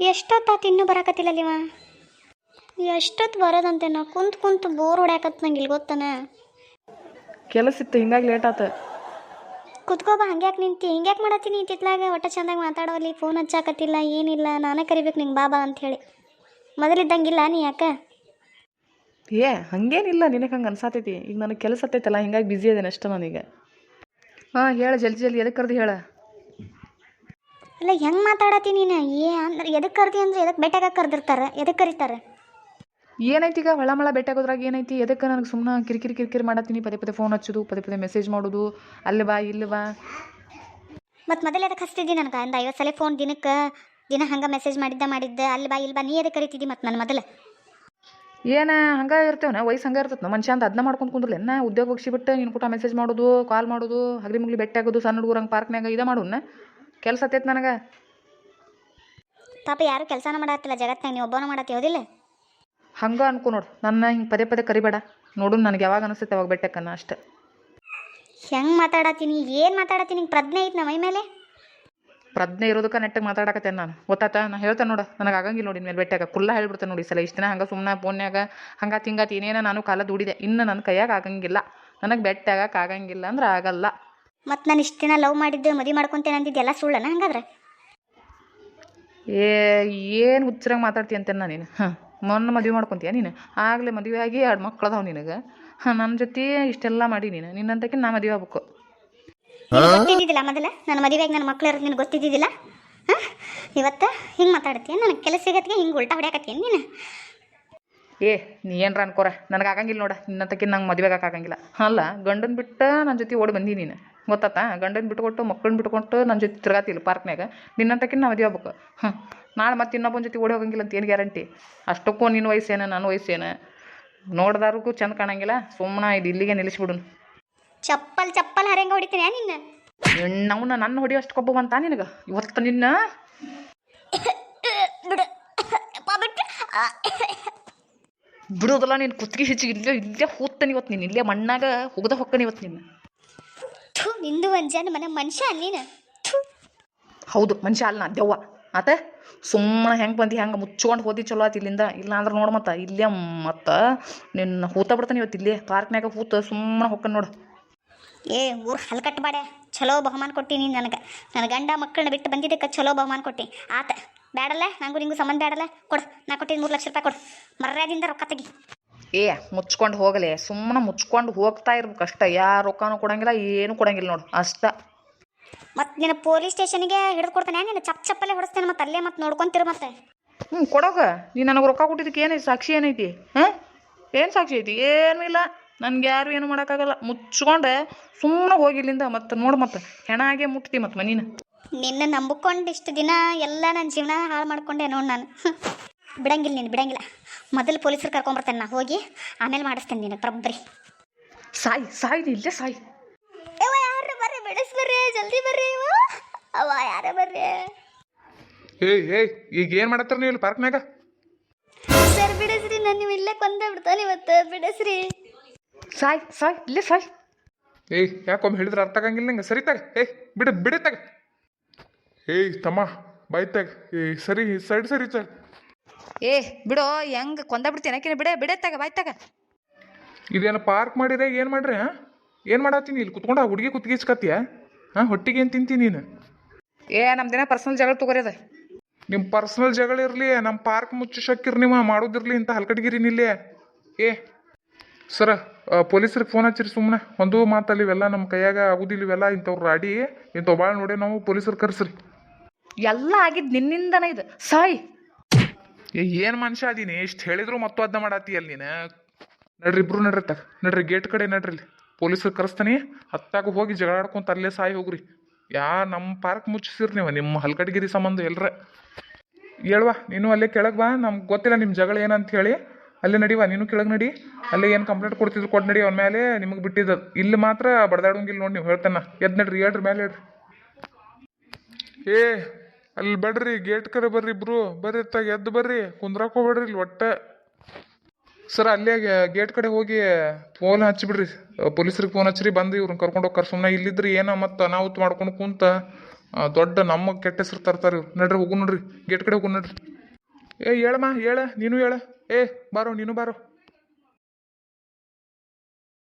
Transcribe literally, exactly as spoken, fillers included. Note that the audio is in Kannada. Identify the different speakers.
Speaker 1: ಎಷ್ಟೊತ್ತಾತು ಇನ್ನೂ ಬರಾಕತ್ತಿಲ್ಲಲ್ಲಿವ? ಎಷ್ಟೊತ್ತು ಬರೋದಂತೆ? ನಾ ಕುಂತು ಕುಂತು ಬೋರ್ ಹೊಡ್ಯಾಕತ್ ನಂಗೆ ಇಲ್ಲಿ ಗೊತ್ತಾನ.
Speaker 2: ಕೆಲಸ ಇತ್ತು ಹಿಂಗಾಗಿ ಲೇಟ್ ಆತ.
Speaker 1: ಕುತ್ಕೋಬಾ, ಹಂಗ್ಯಾಕೆ ನಿಂತಿ? ಹಿಂಗ್ಯಾಕೆ ಮಾಡತ್ತೀನಿ ತಿತ್ಲಾಗ? ಒಟ್ಟ ಚಂದಾಗಿ ಮಾತಾಡೋಲ್ಲಿ, ಫೋನ್ ಹಚ್ಚಾಕತ್ತಿಲ್ಲ, ಏನಿಲ್ಲ. ನಾನೇ ಕರಿಬೇಕು ನಿಂಗೆ ಬಾಬಾ ಅಂಥೇಳಿ. ಮೊದಲಿದ್ದಂಗಿಲ್ಲ ನೀ ಯಾಕೆ?
Speaker 2: ಏ ಹಂಗೇನಿಲ್ಲ, ನಿನಗೆ ಹಂಗೆ ಅನ್ಸಾತೈತಿ. ಈಗ ನನಗೆ ಕೆಲಸ ಹತ್ತೈತಲ್ಲ, ಹಿಂಗಾಗಿ ಬ್ಯುಸಿ ಅದೇನೆ ಅಷ್ಟೇ ನಾನೀಗ. ಹಾಂ ಹೇಳ, ಜಲ್ದಿ ಜಲ್ದಿ ಎದಕ್ಕೆ ಕರ್ದು ಹೇಳ.
Speaker 1: ಅಲ್ಲ ಹೆಂಗೆ ಮಾತಾಡತ್ತೀನಿ ನೀನು? ಏ ಅಂದ್ರೆ ಎದಕ್ಕೆ ಕರ್ದಿ ಅಂದ್ರೆ ಎದಕ್ಕೆ ಬೆಟ್ಟಾಗ ಕರೆದಿರ್ತಾರೆ? ಎದಕ್ಕೆ ಕರೀತಾರೆ?
Speaker 2: ಏನೈತಿ ಈಗ ಹೊಳಮಳ ಭೇಟಿಯಾಗೋದ್ರಾಗ ಏನೈತಿ? ಎದಕ್ಕೆ ನನಗೆ ಸುಮ್ಮನೆ ಕಿರಿಕಿರಿ ಕಿರಿಕಿರಿ ಮಾಡತ್ತೀನಿ? ಪದೇ ಪದೇ ಫೋನ್ ಹಚ್ಚೋದು, ಪದೇ ಪದೇ ಮೆಸೇಜ್ ಮಾಡೋದು, ಅಲ್ಲಿ ಬಾ ಇಲ್ಲಿ ಬಾ.
Speaker 1: ಮತ್ತು ಮೊದಲು ಎದಕ್ಕೆ ಹಚ್ತಿದ್ದಿ ನನಗೆ? ಒಂದು ಐವತ್ತು ಸಲ ಫೋನ್ ದಿನಕ್ಕೆ ದಿನ ಹಂಗೆ ಮೆಸೇಜ್ ಮಾಡಿದ್ದೆ ಮಾಡಿದ್ದೆ ಅಲ್ಲಿ ಬಾ ಇಲ್ಲಿ ಬಾ. ನೀ ಎದಕ್ಕೆ ಕರಿತಿದ್ದಿ ಮತ್ತು ನನ್ನ ಮೊದಲು?
Speaker 2: ಏನು ಹಂಗೆ ಇರ್ತೇವನ? ವಯಸ್ಸು ಹಂಗೆ ಇರ್ತದೆ ಮನುಷ್ಯ ಅಂತ ಅದನ್ನ ಮಾಡ್ಕೊಂಡು ಕುಂದ್ರಲ್ಲ. ಉದ್ಯೋಗ ಹೋಗಿಸಿಬಿಟ್ಟು ನೀನು ಕೂಟ ಮೆಸೇಜ್ ಮಾಡೋದು, ಕಾಲ್ ಮಾಡೋದು, ಹಗಲಿ ಮುಗ್ಲಿ ಭೇಟಿ ಆಗೋದು, ಸಣ್ಣ ಹುಡುಗರಂಗೆ ಪಾರ್ಕ್ನಾಗ ಇದೇ ಮಾಡೋಣ. ಕೆಲಸ ಹತ್ತೈತೆ ನನಗೆ.
Speaker 1: ಪಾಪ ಯಾರು ಕೆಲಸನ ಮಾಡತ್ತಿಲ್ಲ ಜಗತ್ತಿನಾಗ, ನೀವು ಒಬ್ಬನ ಮಾಡತ್ತಿ ಹೌದಿಲ್ಲ?
Speaker 2: ಹಂಗೆ ಅನ್ಕೊ ನೋಡು, ನನ್ನ ಹಿಂಗೆ ಪದೇ ಪದೇ ಕರಿಬೇಡ. ನೋಡು ನನಗೆ ಯಾವಾಗ ಅನಿಸುತ್ತೆ ಅವಾಗ ಬೆಟ್ಟಕ್ಕನ್ನ ಅಷ್ಟೆ.
Speaker 1: ಹೆಂಗೆ ಮಾತಾಡತ್ತೀನಿ? ಏನು ಮಾತಾಡತ್ತೀನಿ? ನಿಂಗೆ ಪ್ರಜ್ಞೆ ಐತೆ ನಮ್ಮ ಮೈ ಮೇಲೆ?
Speaker 2: ಪ್ರಜ್ಞೆ ಇರೋದಕ್ಕೆ ನೆಟ್ಟಗೆ ಮಾತಾಡಕತ್ತೇನೆ ನಾನು, ಗೊತ್ತಾತ? ನಾನು ಹೇಳ್ತೇನೆ ನೋಡು, ನನಗೆ ಆಗಂಗಿಲ್ಲ ನೋಡಿ ಮೇಲೆ ಬೆಟ್ಟಾಗ ಕುಲ್ಲ ಹೇಳ್ಬಿಡ್ತೇನೆ ನೋಡಿ ಸಲ. ಇಷ್ಟು ದಿನ ಹಂಗೆ ಸುಮ್ಮನೆ ಫೋನ್ಯಾಗ ಹಂಗೆ ತಿಂಗಾತಿ ಏನೇನೋ ನಾನು ಕಾಲ ದುಡಿದೆ. ಇನ್ನು ನನ್ನ ಕೈಯಾಗ ಆಗಂಗಿಲ್ಲ, ನನಗೆ ಬೆಟ್ಟಾಗಕ್ಕೆ ಆಗಂಗಿಲ್ಲ ಅಂದ್ರೆ ಆಗಲ್ಲ.
Speaker 1: ಮತ್ತು ನಾನು ಇಷ್ಟು ದಿನ ಲವ್ ಮಾಡಿದ್ದು ಮದುವೆ ಮಾಡ್ಕೊತೇನೆ ಅಂದಿದ್ದು ಎಲ್ಲ ಸುಳ್ಳನ ಹಂಗಾದ್ರೆ?
Speaker 2: ಏ ಏನು ಹುಚ್ಚರಂಗೆ ಮಾತಾಡ್ತೀಯ ಅಂತೇನೆ ನಾನು. ನೀನು ಹಾಂ ಮೊನ್ನೆ ಮದುವೆ ಮಾಡ್ಕೊತೀಯ ನೀನು? ಆಗಲೇ ಮದುವೆ ಆಗಿ ಎರಡು ಮಕ್ಳು ಅದಾವ ನಿನಗೆ. ಹಾಂ ನನ್ನ ಜೊತೆ ಇಷ್ಟೆಲ್ಲ ಮಾಡಿ ನೀನು ನಿನ್ನಂತಕ್ಕೆ ನಾ ಮದುವೆ ಆಗ್ಬೇಕು.
Speaker 1: ಗೊತ್ತಿದ್ದಿದ್ದಿಲ್ಲ ಮೊದಲ ನನ್ನ ಮದುವೆಗೆ ನನ್ನ ಮಕ್ಳು ಇರೋದು ನಿನಗೆ ಗೊತ್ತಿದ್ದಿದ್ದಿಲ್ಲ? ಹಾಂ ಇವತ್ತು ಹಿಂಗೆ ಮಾತಾಡ್ತೀಯ? ನನಗೆ ಕೆಲಸ ಸಿಗತ್ತಿಗೆ ಹಿಂಗೆ ಉಲ್ಟಾ ಹೊಡ್ಯಾಕತ್ತೀನಿ ನೀನು?
Speaker 2: ಏ ನೀ ಏನರ ಅನ್ಕೋರ, ನನಗೆ ಆಗಂಗಿಲ್ಲ ನೋಡ ನಿನ್ನಂತಕ್ಕೆ. ನಂಗೆ ಮದುವೆ ಆಗಂಗಿಲ್ಲ. ಅಲ್ಲ ಗಂಡನ ಬಿಟ್ಟು ನನ್ನ ಜೊತೆ ಓಡಿ ಬಂದಿ ನೀನು, ಗೊತ್ತಾತ? ಗಂಡನ ಬಿಟ್ಕೊಟ್ಟು ಮಕ್ಕಳನ್ನ ಬಿಟ್ಕೊಟ್ಟು ನನ್ನ ಜೊತೆ ತಿರ್ಗಾತಿಲ್ಲ ಪಾರ್ಕ್ನಾಗ. ನಿನ್ನಂತಕ್ಕೆ ನಾ ಮದುವೆ ಆಗ್ಬೇಕು. ಹಾಂ ನಾಳೆ ಮತ್ತೆ ಇನ್ನೊಬ್ಬನ ಜೊತೆ ಓಡಿ ಹೋಗಂಗಿಲ್ಲ ಅಂತ ಏನು ಗ್ಯಾರಂಟಿ? ಅಷ್ಟಕ್ಕೂ ನಿನ್ನ ವಯಸ್ಸೇನು ನನ್ನ ವಯಸ್ಸೇನು ನೋಡ್ದಾರಿಗೂ ಚೆಂದ ಕಾಣಂಗಿಲ್ಲ. ಸುಮ್ಮನೆ ಇದು ಇಲ್ಲಿಗೆ ನಿಲ್ಲಿಸ್ಬಿಡು.
Speaker 1: ಚಪ್ಪಲ್ ಚಪ್ಪಲ್ ಹರಂಗ ಹೊಡಿತೀನಿ ನಿನ್ನ.
Speaker 2: ಹೆಣ್ಣವನ್ನ ನನ್ನ ಹೊಡಿಯೋ ಅಷ್ಟು ಕೊಬ್ಬ ಬಂತ ನಿನಗೆ ಇವತ್ತು ನಿನ್ನ? ಬಿಡೋದಲ್ಲ ನೀನು ಕುತ್ತಿಗೆ ಹೆಚ್ಚಿಗೆ ಇಲ್ಲೇ ಇಲ್ಲೇ ಹೋಗ್ತಾನೆ ಇವತ್ತು. ನೀನು ಇಲ್ಲೇ ಮಣ್ಣಾಗ ಹೋಗದ ಹೊಕ್ಕನೆ ಇವತ್ತು ನಿನ್ನ.
Speaker 1: ನಿಂದು ಒಂಜಾನ ಮನೆ ಮನುಷ್ಯ ನೀನು.
Speaker 2: ಹೌದು ಮನುಷ್ಯ ಅಲ್ಲ ನಾ ದೆವ್ವ ಆತ. ಸುಮ್ಮನೆ ಹೆಂಗೆ ಬಂದು ಹೆಂಗೆ ಮುಚ್ಕೊಂಡು ಹೋದಿ ಚಲೋ ಆತು ಇಲ್ಲಿಂದ. ಇಲ್ಲ ಅಂದ್ರೆ ನೋಡು ಮತ್ತೆ ಇಲ್ಲೇ ಮತ್ತು ನಿನ್ನ ಹೂತ ಬಿಡ್ತಾನೆ ಇವತ್ತು ಇಲ್ಲೇ ಪಾರ್ಕ್ನಾಗ ಹೂತ ಸುಮ್ಮನೆ ಹೊಕ್ಕನ್ ನೋಡು.
Speaker 1: ಏ ಊರು ಹಲ್ಕಟ್ಬೇಡ. ಚಲೋ ಬಹುಮಾನ ಕೊಟ್ಟಿ ನೀನು ನನಗೆ. ನನ್ನ ಗಂಡ ಮಕ್ಕಳನ್ನ ಬಿಟ್ಟು ಬಂದಿದ್ದಕ್ಕೆ ಚಲೋ ಬಹುಮಾನ ಕೊಟ್ಟಿ ಆತ. ಬೇಡಲ್ಲ ನಂಗೂ ನಿಂಗೂ ಸಂಬಂಧ ಬೇಡಲ್ಲ. ಕೊಡು, ನಾ ಕೊಟ್ಟಿದ್ದು ಮೂರು ಲಕ್ಷ ರೂಪಾಯಿ ಕೊಡು. ಮರ್ಯಾದಿಂದ ರೊಕ್ಕ ತೆಗಿ.
Speaker 2: ಏ ಮುಚ್ಕೊಂಡು ಹೋಗಲೆ, ಸುಮ್ಮನೆ ಮುಚ್ಕೊಂಡು ಹೋಗ್ತಾ ಇರ್ಬೇಕು ಅಷ್ಟ. ಯಾರು ರೊಕ್ಕನೂ ಕೊಡಂಗಿಲ್ಲ, ಏನು ಕೊಡಂಗಿಲ್ಲ ನೋಡು ಅಷ್ಟ.
Speaker 1: ಮತ್ತು ನಿನ್ನ ಪೊಲೀಸ್ ಸ್ಟೇಷನ್ಗೆ ಹಿಡಿದು ಕೊಡ್ತಾನೆ. ನೀನು ಚಪ್ ಚಪ್ಪಲ್ಲೇ ಹೊಡಿಸ್ತೇನೆ ಮತ್ತೆ ಅಲ್ಲೇ ಮತ್ತೆ ನೋಡ್ಕೊಂತಿರು ಮತ್ತೆ.
Speaker 2: ಹ್ಞೂ ಕೊಡೋಗ. ನೀನು ನನಗೆ ರೊಕ್ಕ ಕೊಟ್ಟಿದ್ದಕ್ಕೆ ಏನೈತಿ ಸಾಕ್ಷಿ? ಏನೈತಿ? ಹಾಂ ಏನು ಸಾಕ್ಷಿ ಐತಿ? ಏನೂ ಇಲ್ಲ. ನನಗೆ ಯಾರು ಏನು ಮಾಡೋಕ್ಕಾಗಲ್ಲ. ಮುಚ್ಕೊಂಡೆ ಸುಮ್ಮನೆ ಹೋಗಿ ಇಲ್ಲಿಂದ. ಮತ್ತು ನೋಡು ಮತ್ತೆ ಹೆಣ ಹಾಗೆ ಮುಟ್ತಿ ಮತ್ತು ಮನೀನ.
Speaker 1: ನಿನ್ನ ನಂಬಿಕೊಂಡು ಇಷ್ಟು ದಿನ ಎಲ್ಲ ನನ್ನ ಜೀವನ ಹಾಳು ಮಾಡ್ಕೊಂಡೆ ನೋಡಿ ನಾನು. ಬಿಡಂಗಿಲ್ಲ ನೀನು, ಬಿಡಂಗಿಲ್ಲ. ಮೊದಲು ಪೊಲೀಸರು ಕರ್ಕೊಂಬರ್ತೇನೆ ನಾ ಹೋಗಿ, ಆಮೇಲೆ ಮಾಡಿಸ್ತೇನೆ ನೀನು ಪ್ರಬ್ರಿ.
Speaker 2: ಸಾಯಿ ಸಾಯಿ ನೀ ಇಲ್ಲೇ ಸಾಯಿ.
Speaker 1: ಯವ್ವ ಯಾರು ಬರ್ರಿ, ಬಿಡಿಸ್ ಬರ್ರಿ, ಜಲ್ದಿ ಬರ್ರಿ. ಅವ ಯಾರ ಬರ್ರಿ.
Speaker 3: ಏಯ್ ಏಯ್ ಈಗ ಏನು ಮಾಡತ್ತಾರ ನೀವು ಇಲ್ಲಿ ಪಾರ್ಕ್ನಾಗ?
Speaker 1: ಸರ್ ಬಿಡಿಸ್ರಿ, ನಾನು ನೀವು ಇಲ್ಲೇ ಕೊಂದ ಬಿಡ್ತಾನೆ ಇವತ್ತು. ಬಿಡಿಸ್ರಿ.
Speaker 2: ಸಾಯ್ ಸಾಯ್ ಇಲ್ಲೇ ಸಾಯ್.
Speaker 3: ಏಯ್ ಯಾಕೊಮ್ಮೆ ಹೇಳಿದ್ರೆ ಅರ್ಥ ಆಗಂಗಿಲ್ಲ ನಂಗೆ. ಸರಿ ತಾಗ. ಏಯ್ ಬಿಡು ಬಿಡು ತಾಗ. ಏಯ್ ತಮ್ಮ ಬಾಯ್ ತಾಗ. ಏಯ್ ಸರಿ ಸೈಡ್ ಸರಿ ತಾಗ.
Speaker 2: ಏ ಬಿಡೋ, ಹೆಂಗೆ ಕೊಂದ ಬಿಡ್ತೀನಿ ಯಾಕೆ? ಬಿಡೆ ಬಿಡೆ ತಗ ಬಾಯ್ ತಗ.
Speaker 3: ಇದೇನು ಪಾರ್ಕ್ ಮಾಡಿದ್ರೆ ಏನು ಮಾಡ್ರಿ? ಹಾಂ ಏನು ಮಾಡತ್ತೀನಿ ಇಲ್ಲಿ ಕುತ್ಕೊಂಡು? ಆ ಹುಡುಗಿ ಕುತ್ಗಿಸ್ಕತ್ತೀಯ? ಹಾಂ ಹೊಟ್ಟಿಗೆ ಏನು ತಿಂತೀನಿ ನೀನು?
Speaker 2: ಏ ನಮ್ಮ ದಿನ ಪರ್ಸನಲ್ ಜಗಳ ತಗೋರಿ ಅದ.
Speaker 3: ನಿಮ್ಮ ಪರ್ಸ್ನಲ್ ಜಗಳ ಇರಲಿ, ನಮ್ಮ ಪಾರ್ಕ್ ಮುಚ್ಚಿಸಕ್ಕಿರ್ ನೀವು ಮಾಡೋದಿರಲಿ ಇಂಥ ಹಲ್ಕಟ್ಗಿರಿ ನಿಲ್ಲೇ. ಏ ಸರ ಪೊಲೀಸ್ರಿಗೆ ಫೋನ್ ಹಚ್ಚಿರಿ ಸುಮ್ಮನೆ. ಒಂದು ಮಾತಲ್ಲಿ ಇವೆಲ್ಲ ನಮ್ಮ ಕೈಯಾಗ ಆಗುದಿಲ್ಲ. ಇವೆಲ್ಲ ಇಂಥವ್ರು ರಾಡಿ ಇಂಥವು ಭಾಳ ನೋಡಿ ನಾವು ಪೊಲೀಸರು ಕರೆಸ್ರಿ.
Speaker 2: ಎಲ್ಲ ಆಗಿದ್ದು ನಿನ್ನಿಂದನೇ ಇದು. ಸಾಯ್.
Speaker 3: ಏ ಏನು ಮನುಷ್ಯ ಅದೀನಿ? ಇಷ್ಟು ಹೇಳಿದ್ರು ಮತ್ತು ಅದನ್ನ ಮಾಡತ್ತಿ ಅಲ್ಲಿ ನೀನು. ನಡ್ರಿ ಇಬ್ರು ನಡ್ರಿ ತಗ. ನಡ್ರಿ ಗೇಟ್ ಕಡೆ ನಡ್ರಿ. ಇಲ್ಲಿ ಪೊಲೀಸರು ಕರೆಸ್ತಾನೆ. ಹತ್ತಾಗ ಹೋಗಿ ಜಗಳ ಆಡ್ಕೊಂತ ಅಲ್ಲೇ ಸಾಯಿ ಹೋಗ್ರಿ. ಯಾ ನಮ್ಮ ಪಾರ್ಕ್ ಮುಚ್ಚಿಸಿರಿ ನೀವು ನಿಮ್ಮ ಹಲ್ಕಟ್ಗಿರಿ ಸಂಬಂಧ ಎಲ್ಲರ. ಹೇಳ್ವಾ ನೀನು ಅಲ್ಲೇ ಕೆಳಗೆ ಬಾ. ನಮ್ಗೆ ಗೊತ್ತಿಲ್ಲ ನಿಮ್ಮ ಜಗಳ ಏನಂತ ಹೇಳಿ. ಅಲ್ಲೇ ನಡಿವಾ ನೀನು ಕೆಳಗೆ ನಡಿ. ಅಲ್ಲೇ ಏನು ಕಂಪ್ಲೇಂಟ್ ಕೊಡ್ತಿದ್ರು ಕೊಟ್ಟು ನಡಿ. ಅವನ ಮೇಲೆ ನಿಮಗೆ ಬಿಟ್ಟಿದ್ದು. ಇಲ್ಲಿ ಮಾತ್ರ ಬಡ್ದಾಡೋಂಗಿಲ್ಲ ನೋಡಿ. ನೀವು ಹೇಳ್ತಾನ ಎದ್ದು ನಡ್ರಿ, ಹೇಳ್ರಿ ಮೇಲೆ ಹೇಳ್ರಿ. ಏ ಅಲ್ಲಿ ಬಡ್ರಿ, ಗೇಟ್ ಕಡೆ ಬರ್ರಿ ಇಬ್ರು. ಬರ್ರಿ ತಾಗ ಎದ್ದು ಬರ್ರಿ, ಕುಂದ್ರಾಕ್ ಹೋಗ್ಬೇಡ್ರಿ ಇಲ್ಲಿ ಒಟ್ಟ. ಸರ್ ಅಲ್ಲೇ ಗೇಟ್ ಕಡೆ ಹೋಗಿ ಫೋನ್ ಹಚ್ಚಿಬಿಡ್ರಿ. ಪೊಲೀಸ್ರಿಗೆ ಫೋನ್ ಹಚ್ಚಿರಿ, ಬಂದು ಇವ್ರನ್ನ ಕರ್ಕೊಂಡು ಹೋಗ್ತಾರೆ. ಸುಮ್ಮನೆ ಇಲ್ಲಿದ್ರಿ ಏನೋ ಮತ್ತು ಅನಾಹುತ ಮಾಡ್ಕೊಂಡು ಕುಂತ ದೊಡ್ಡ ನಮ್ಮ ಕೆಟ್ಟ ಹೆಸರು ತರ್ತಾರೆ ಇವ್ರು. ನಡ್ರಿ ಹೋಗು ನೋಡ್ರಿ, ಗೇಟ್ ಕಡೆ ಹೋಗು ನಡ್ರಿ. ಏ ಹೇಳಮ್ಮ ಹೇಳ ನೀನು ಹೇಳ ಏ ಬಾರೋ ನೀನು ಬಾರೋ